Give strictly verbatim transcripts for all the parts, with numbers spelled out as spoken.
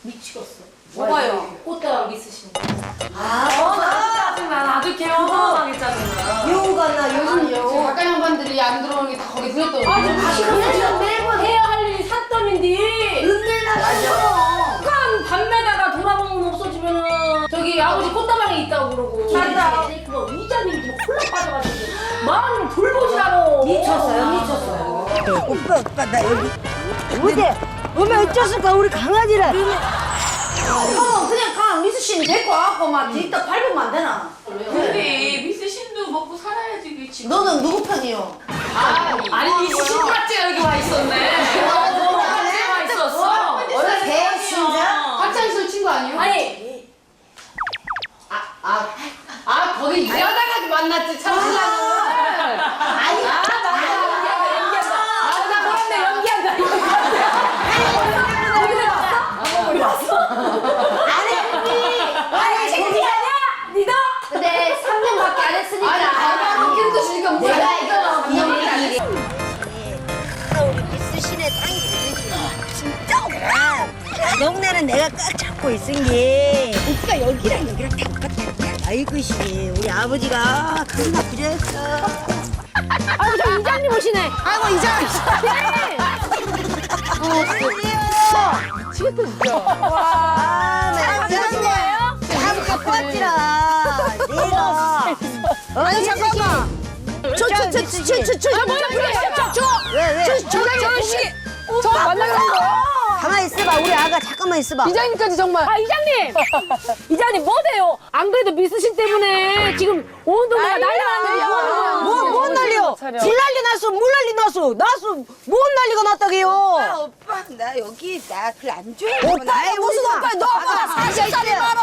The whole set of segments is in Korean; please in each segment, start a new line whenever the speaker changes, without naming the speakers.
미치겠어.
뭐가요?
꽃다랑 미스신 거.
아,
짜증나. 아주 개운하게 짜증나.
여우 같나 요즘 여우.
가까이 양반들이 안 들어오는 게 다 거기 들었더니.
아, 좀 다시 그냥 매번 해야 할 일이 삿덤인데.
은내 나가죠.
깐 밤매다가 돌아보면 없어지면은 저기 아버지 꽃다방에 있다고 그러고.
맞다.
이제 그거 이자님이 뭐 콜라 빠져가지고 마음을 돌보시라고.
미쳤어요, 미쳤어요.
오빠 오빠 나 여기 어디 어머 어쩌을까 우리 강아지라
어, 그냥 가 미수 씨는 데리고 와갖고 막 뒤따 밟으면 안 되나?
근데 미스 신도 먹고 살아야지 그치.
너는 누구 편이요?
아,
아니 미스신 같지가 여기 와 있었네. 어, 같이 와 있었어.
원래 배신자?
학창시절 친구 아니에요?
아니
아, 아, 아 거기 일하다가 만났지 참 신랑은.
아니,
아, 나 연기한다, 연기한다. 아, 나 그런데 연기한다, 연기한다.
아니, 아니,
생각이 아니야? 니도?
근데 삼 년밖에 안 했으니까.
아니, 알바로 키를 거 주니까 뭐.
내가 이거 이 일이.
우리 미스신의 땅이 되지 진짜 오빠 동네는 내가 꽉 잡고 있은 게 오빠 여기랑 여기랑 다 똑같아 아이고 씨 우리 아버지가 겁나 부자였어
아이고, 저 이장님 오시네.
아이고 이장
미치겠다 진짜.
와 내가
거예요?
다 갖고 왔지라 내가 아니 잠깐만 저저저저저저 왜왜
저 만나는 거야?
가만히 있어봐 우리 아가 잠깐만 있어봐
이장님까지 정말.
아, 이장님! 이장님, 뭐세요? 안 그래도 미스신 때문에 지금 온 동네가 난리 났는데요.
뭐, 뭔 난리요? 불 난리 났어, 물 난리 났어, 났어, 뭔 난리가 났다게요?
오빠 나 여기 나 글 안 좋아해.
오빠야, 무슨 오빠, 너 오빠 사십 살이 말어,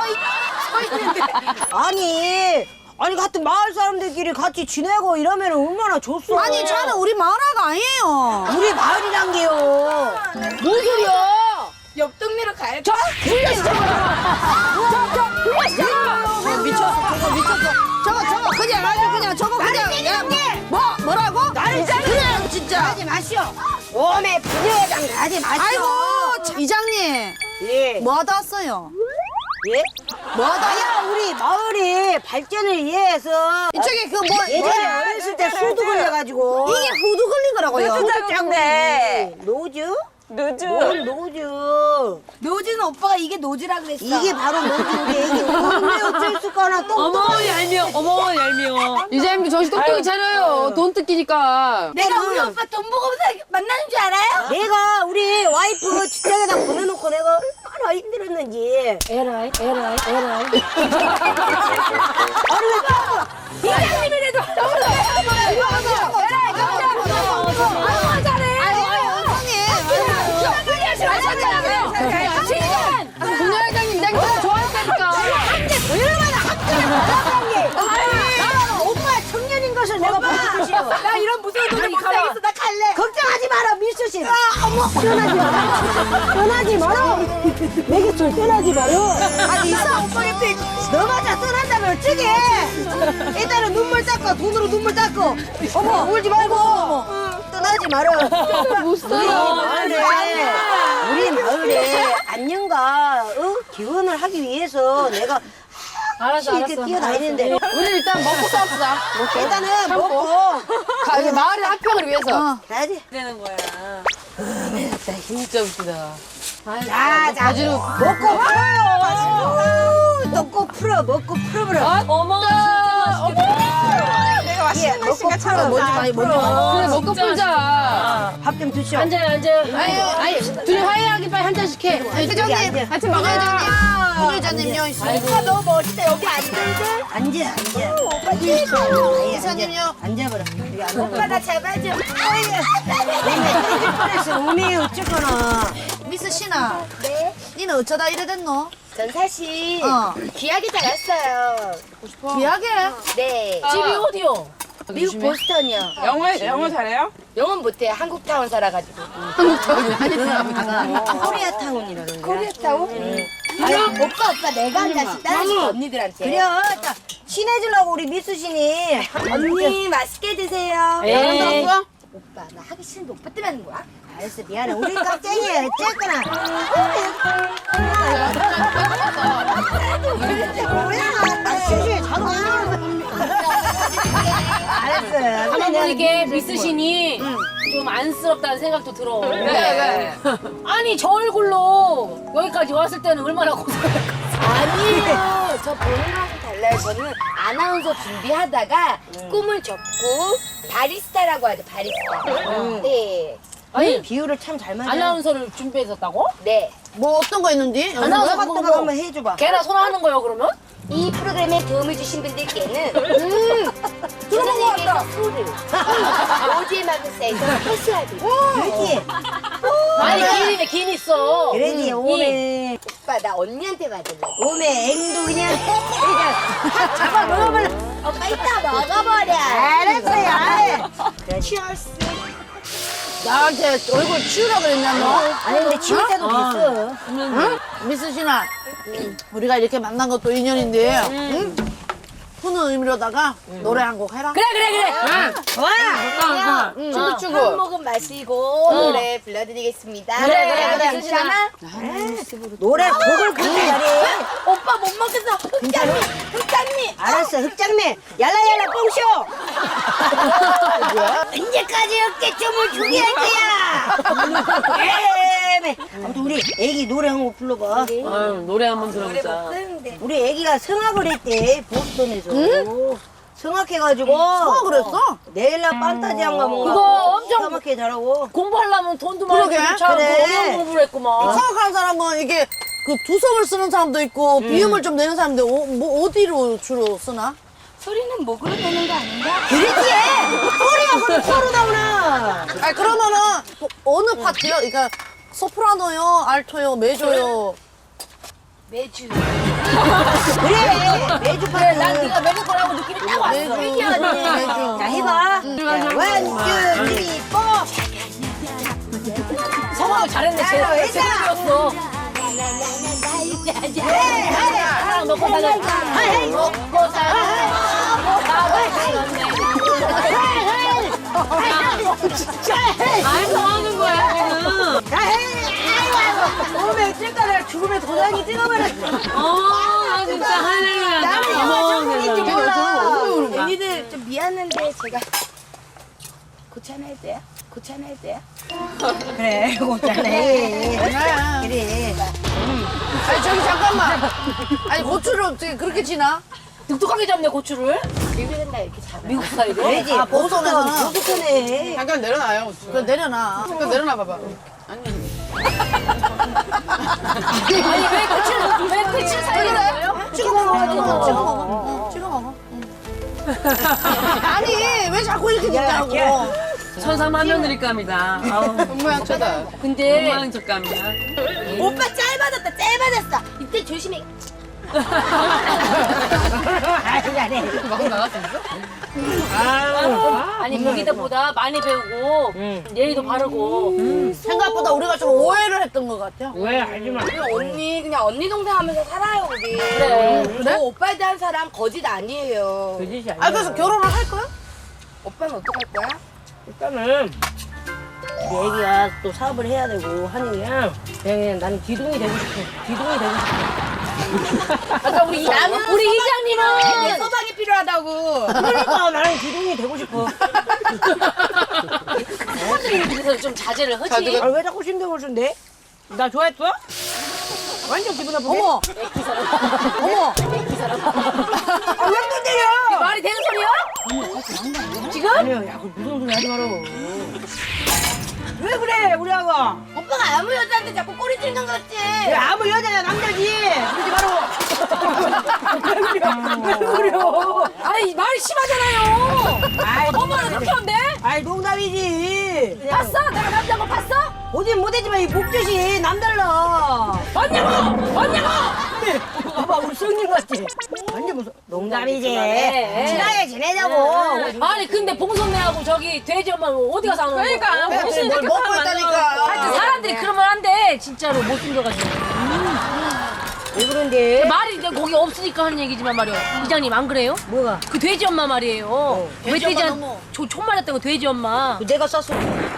아니, 아니, 같은 마을 사람들끼리 같이 지내고 이러면 얼마나 좋소?
아니 저는 우리 마을아가 아니에요.
우리 마을이란 게요.
뭔 소리야?
옆 동네로 가야 돼.
저, 불려시죠! 저, 저, 불려시죠!
미쳤어 저거 미쳤어. 저거 저거 그냥 아주 그냥 저거 그냥 야, 뭐 뭐라고?
나를
그냥 진짜.
가지 마시오. 오메 부녀회장 가지 마시오.
아이고 참, 이장님
예.
뭐 하다 왔어요?
예?
뭐 하다?
아야, 우리 마을이 발전을 위해서
이쪽에 그 뭐
예전에 어렸을 때 수도 걸려가지고
이게 후두 걸린 거라고요.
노주장네 노주? 노주 뭘 노주
노지는 오빠가 이게 노지라 그랬어.
이게 바로 노주인데 이게 뭔데 어쩔 수가 하나 또
어머, 얄미워, 어머, 얄미워.
이장님도 정신 똑똑히 차려요. 돈 뜯기니까.
내가 우리 오빠 돈 보고 만나는 줄 알아요?
내가 우리 와이프 직장에다 보내놓고 내가 얼마나 힘들었는지
에라이, 에라이, 에라이.
아니 왜 또
이장님이라도
아이고 잘해. 아이고 형님.
분야 회장님 이장님 진짜 좋아했다니까.
오빠 청년인 것을 내가 보여주시오
나 이런 무서운 돈을 못 살겠어. 나 갈래.
걱정하지 마라 밀수씨 떠나지 마라 떠나지 마라 내 곁을 떠나지 마라
아니 이상 오빠 곁에 있고.
너마저 떠난다면 어쩌게 일단은 눈물 닦고 돈으로 눈물 닦고 어머 울지 말고 떠나지 마라 우리 마을에 우리 마을에 안녕과 어? 기원을 하기 위해서 내가
알았어,
이렇게
알았어.
뛰어다니는데
우리 일단 먹고 싸웁시다.
일단은 먹고
가, 이제 마을의 합평을 위해서.
가야지
진짜 웃기다.
자, 자,
바지로
먹고 풀어요. 먹고 풀어, 먹고 풀어버려.
어머, 진짜 맛있겠다.
내가 맛있는 거 있으니까
풀어,
먼저
많이 먼저.
그래 먹고 풀자.
밥 좀 드시오.
앉아요, 앉아요.
아니, 아니, 둘이 화해하기 빨리 한 잔씩 해.
회장님 같이 먹어요 회장님. 회장님요 있으니까.
너 멋있다. 여기 앉아야 앉아, 앉아. 오빠
회장님요.
앉아버려. 여기 앉아.
오빠 나 잡아줘.
그래서 몸이 어쨌거나.
미스 신아. 네? 니는 어쩌다 이래 됐노?
전 사실
어.
귀하게 자랐어요.
귀하게.
네.
집이 어디요?
미국 보스턴이요.
영어 영어 잘해요?
영어 못해. 한국타운 살아가지고.
코리아타운이라는 거야.
코리아타운? 응. 아니, 오빠, 오빠, 내가 한 잔씩 따라줄게, 언니들한테.
그래, 자, 친해지려고 우리 미수신이.
언니, 맛있게 드세요.
에이.
오빠, 나 하기 싫은데 오빠 때문에 하는 거야?
알았어, 미안해. 우리 깍쟁이 어쨌거나. 알았어.
가만 보니까 미스신이 좀 안쓰럽다는 생각도 들어.
왜,
아니 저 얼굴로 여기까지 왔을 때는 얼마나 고생했을까.
아니에요. 저 보는 거랑 달라요. 저는 아나운서 준비하다가 꿈을 접고 바리스타라고 하죠. 바리스타. 네.
아니
비율을 참 잘 맞아.
아나운서를 준비했었다고?
네.
뭐 어떤 거 있는지?
아나운서
같은
뭐,
거
뭐,
한번 해줘봐.
걔나 손하는 거요 그러면?
이 프로그램에 도움을 주신 분들께는 음, 주선생님께서 소를 오지의 마그사에서 회수하고
그렇지.
아니 기인이네 기인 있어.
그러지.
음,
오메.
오빠 나 언니한테 받을래.
오메 앵도 그냥 그냥 확 잡아 먹어버려.
오빠 이따 먹어버려.
알았어요. 아이. 치얼스.
나한테 얼굴 치우라 그랬냐 너?
아니 근데 치울 때도 있어.
응? 미스신아, 우리가 이렇게 만난 것도 인연인데, 응? 푸는 의미로다가 노래 한 곡 해라.
그래 그래 그래.
와.
춤도 추고.
한 모금 마시고 노래 불러드리겠습니다.
그래, 그래, 그래.
괜찮아?
노래 곡을 그렇게 잘해.
오빠 못 먹겠어. 흑장미, 흑장미.
알았어. 흑장미. 얄라얄라 뽕쇼. 언제까지 어깨춤을 추게 할 거야. 에메. 아무튼 우리 애기 노래 한 곡 불러봐.
아유, 노래 한번 들어보자.
우리 애기가 성악을 했대 보스턴에서. 성악해가지고.
성악을 했어?
네일라 판타지한가 뭔가.
그거 엄청
성악해 잘하고.
공부하려면 돈도 많이
그러게.
들고 참
그래.
어려운 공부를 했구만.
성악하는 사람은 이게 그 두성을 쓰는 사람도 있고, 비음을 좀 내는 사람인데, 어, 뭐 어디로 주로 쓰나?
소리는 목으로 내는 거 아닌가?
그렇지. 소리가 그럼 서로 나오나.
아니, 그러면은, 어, 어느 파트요? 그러니까, 소프라노요, 알토요, 메조요.
매주.
그래. 매주
그래
파트.
난 네가 매일 거라고 느낌이 딱 왔어.
메조. 메조.
자 해봐. 원, 투, 쓰리, 포.
성악을 잘했네. 제
자,
제대로였어. 사랑 먹고 살아. 먹고
아이, 뭐 하는 거야, 지금?
오메 찔까라 죽음의 도장이 찍어버렸어.
어, 진짜 할렐루야.
나는 영화 전공인지 몰라.
언니들 좀 미안한데 제가 고찬해야 돼요? 고찬해야 돼요?
그래, 고짜네. 그래.
아니, 저기 잠깐만. 아니, 고추를 어떻게 그렇게 지나?
뚝뚝하게 잡네 고추를.
미국은 나 이렇게 잡아.
미국 스타일로.
그래지.
아,
보스턴에서는
보스턴에서는.
보스턴에.
잠깐 내려놔요.
그래, 내려놔.
잠깐 내려놔 봐봐.
아니 왜 고추를 왜 고추를 살리는 거예요?
찍어 먹어, 찍어 먹어. 찍어 먹어. 찍어 먹어. 아니, 왜 자꾸 이렇게 짓냐고.
천사만면드릴감이다. 아우,
손모양처다.
근데
모양적감이야.
오빠 짧아졌다 짧아졌어. 이때 조심해.
막 나갔어.
아니 거기다보다 많이 배우고 예의도 바르고.
생각보다 우리가 좀 오해를 했던 것 같아.
왜 하지 마.
언니 그냥 언니 동생 하면서 살아요 우리.
그래.
저 오빠에 대한 사람 거짓 아니에요.
그짓이 아니야.
아, 그래서 결혼을 할 거야?
오빠는 어떡할 거야?
일단은 우리 애기가 또 사업을 해야 되고 하니까 그냥, 그냥 나는 기둥이 되고 싶어. 기둥이 되고 싶어.
아까 우리 이- 우리
내
이장님은
소방이 필요하다고.
그러니까 나는 기둥이 되고 싶어.
그래서 좀 자제를 하지.
아, 왜 자꾸 신경을 쓴대? 나 좋아했어? 완전 기분 나쁘게.
어머, 어머.
아, 왜 또 때려?
말이 되는 소리야? 지금?
아니요, 야, 그 무슨 소리 하지 마라. 왜 그래, 우리 아가?
오빠가 아무 여자한테 자꾸 꼬리 찔는 것 같지?
왜 아무 여자야 남자지? 그러지 마라. 왜 그래?
아니 말이 심하잖아요.
아이,
엄마는 그렇게 한대?
아이, 농담이지.
봤어? 내가 남자인 거 봤어?
보진 못했지만 이 목젖이 남달라.
봤냐고? 봤냐고?
봐봐, 우리 성님 같지? 완전 무슨 농담이지.
네.
친하게 지내자고.
아니 근데 봉선네하고 저기 돼지 엄마는 어디 가서 하는 거야?
그러니까,
내가
무슨
뭘
이렇게
먹고
사람
있다니까.
하여튼 사람들이 그러면 안 돼. 진짜로 못생겨가지고.
왜 그런데?
말이 이제 거기 없으니까 하는 얘기지만 말이야. 이장님 안 그래요?
뭐가?
그 돼지 엄마 말이에요. 왜
돼지 엄마
돼지
너무-
저 총말했던 거 돼지 엄마.
그 내가 쐈어.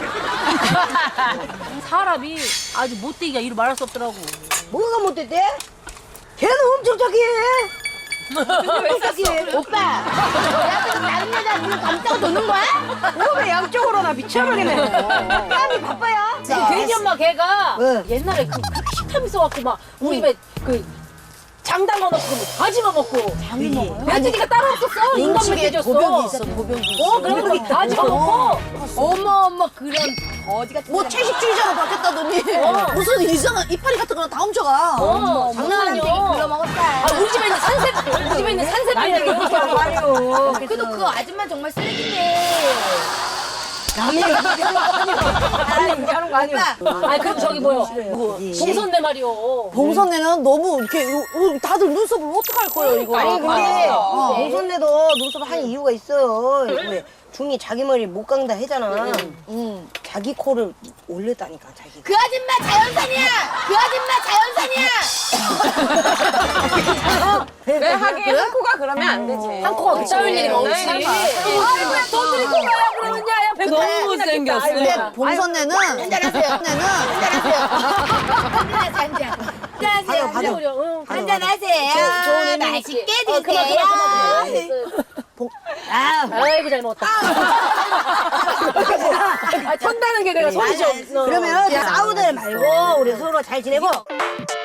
사람이 아주 못되기가 이루 말할 수 없더라고.
뭐가 못됐대? 걔는 엄청 착해.
오빠, 야, 지금 다른 여자 눈을 감싸고 도는 거야?
몸에 양쪽으로 나 미쳐버리네. 땀이 바빠요.
그 돼지 엄마 걔가
응.
옛날에 그 그렇게 식탐 있어갖고 막 우리 집에 그 장담 넣고 다 집어먹고.
장이 먹어요?
며느리가 따로 없었어. 인간
음식에
먹여줬어.
도벽이 있어, 도벽이 있어.
어, 그래서 다 집어먹고.
어머, 어머, 그런 거지 같은.
뭐 채식주의자로 바뀌었다더니 무슨 이상한 이파리 같은 거랑 다 훔쳐가.
어,
장난
장난
안 되게
아니야.
굴러먹었다.
아, 우리 집에 있는 산세, 우리 집에 있는 산세빨이 이렇게 하고.
말이요.
그래도 그 아줌마 정말 쓰레기네.
아니, 하는 거 아니야.
아, 그럼 저기 뭐요? 봉선내 말이요.
봉선내는 너무 이렇게 요- 요- 다들 눈썹을 어떡할 거예요, 이거.
아니, 근데
어.
봉선내도 눈썹 한 이유가 있어요. 왜 중이 자기 머리 못 깎는다 했잖아.
음.
자기 코를 올렸다니까, 자기.
그 아줌마 자연산이야! 그 아줌마 자연산이야!
왜 하긴 한 코가 그러면 안 되지.
한 코가 그 짜일 일이 없지. 아이고, 돈 들이고 가야 그러면 야, 야, 배 너무 못생겼어.
근데 봉선내는
한잔하세요.
봉선내는
한잔하세요. 한잔하세요, 한잔. 한잔하세요.
받아.
응,
한잔하세요.
좋은 의미
맛있게
있지. 어, 그만,
드세요.
그만, 그만, 그만.
아,
아이고, 잘 먹었다. 아, 턴다는 게 내가 소리죠.
그러면 싸우들 말고 우리 서로 잘 지내고